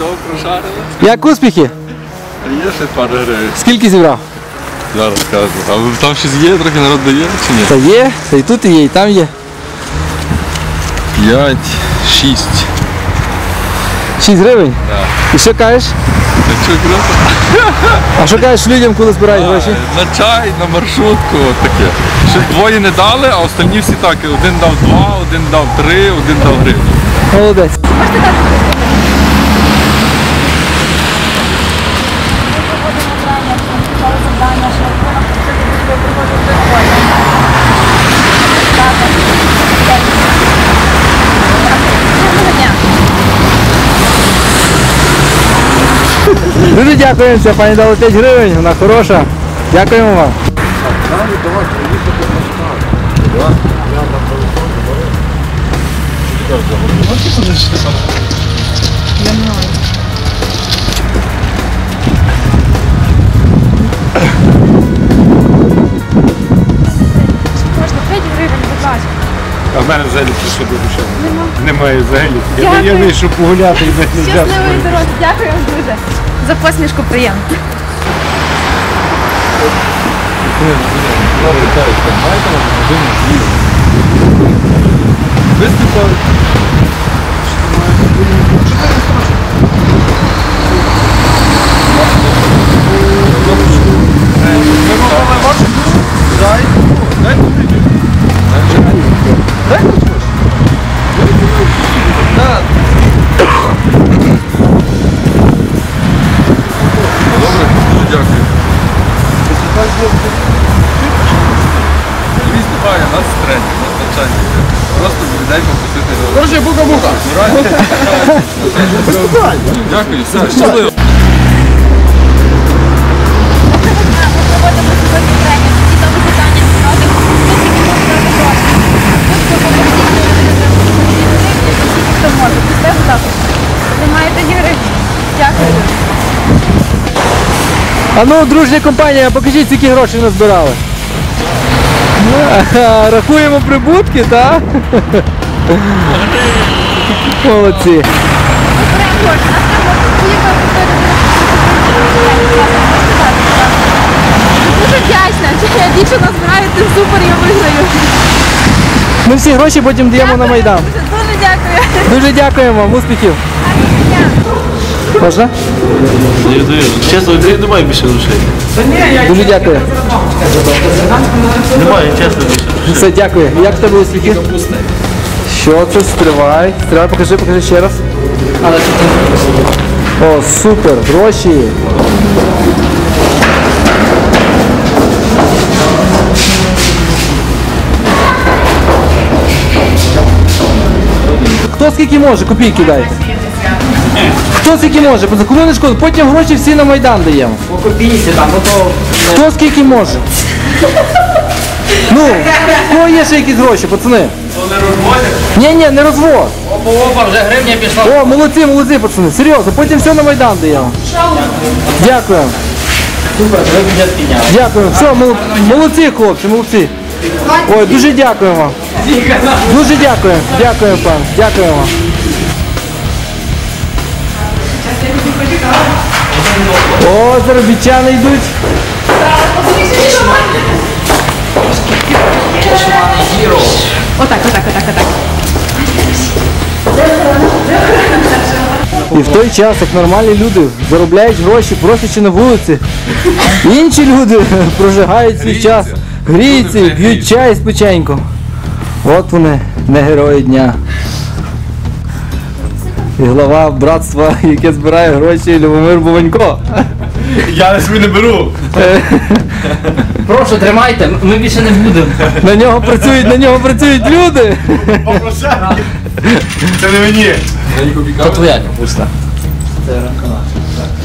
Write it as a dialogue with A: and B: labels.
A: Готов прошарили?
B: Як успіхи?
A: Є ще пару гривень.
B: Скільки зібрав?
A: Зараз скажу. А там щось є, трохи народ дає чи ні?
B: Та є, та і тут є, і там є.
A: 5, 6.
B: 6 гривень?
A: Так.
B: І що кажеш?
A: Та що круто?
B: А що кажеш людям, коли збирають гроші?
A: На чай, на маршрутку, от таке. Ще двоє не дали, а останні всі так. Один дав 2, один дав 3, один дав гривню.
B: Молодець. Дуже дякуємо, це пані дала 5 гривень, вона хороша. Дякуємо вам.
C: Можна 5 гривень, будь ласка.
D: А в мене взагалі що до душі. Немає взагалі. Я вийшов погуляти і не взяв.
C: Щасливої дороги, дякую вам дуже. За посмішку приємно.
A: Нас тренінг, нас навчання. Просто людей попросити.
D: Короче, бука-бука.
A: Дякую, все, щасливо.
C: Ми проводимо сьогодні тренінг. Ті там питання продати. Хто може? Це також. Ви маєте гривень. Дякую.
B: А ну, дружня компанія, покажіть, скільки грошей назбирали. Рахуємо прибутки, так? Молодці.
C: Ми беремо кошти. А це можна поїхати дуже вдячна. Чим я більше назбираю, тим супер я виграю.
B: Ми всі гроші потім даємо на Майдан.
C: Дуже дякую.
B: Дуже дякуємо вам, успіхів. Можна?
E: Чесно, немає більше грошей.
B: Дуже дякую.
E: Немає, чесно, більше.
B: Все, дякую. Як в тебе успіхи? Що це? Стривай. Стривай, покажи ще раз. О, супер, гроші. Хто скільки може, копійки дайте. Хто скільки може, кому не шкода, потім гроші всі на Майдан даємо.
F: По копійці там, то...
B: Хто скільки може? Ну, в кого є ще якісь гроші, пацани?
F: не розводять?
B: Ні, не розвод.
F: Опа, вже гривня пішла.
B: О, молодці, пацани, серйозно, потім все на Майдан даємо. Дякую.
F: Супер, ви бюджет підняли.
B: Дякую. Все, молодці, хлопці, молодці. Ой, дуже дякую вам. Дуже дякую. Дякую, пан. Дякую вам. О, заробітчани йдуть.
C: Отак.
B: І в той час, як нормальні люди заробляють гроші, просячи на вулиці, інші люди прожигають свій час, гріються, п'ють чай з печеньком. От вони, не герої дня. І глава братства, яке збирає гроші, Любомир Буванько.
E: Я собі не беру.
F: Прошу, тримайте, ми більше не будемо.
B: На нього працюють люди.
E: Це не мені.
F: То твоя капуста. Це ранкова.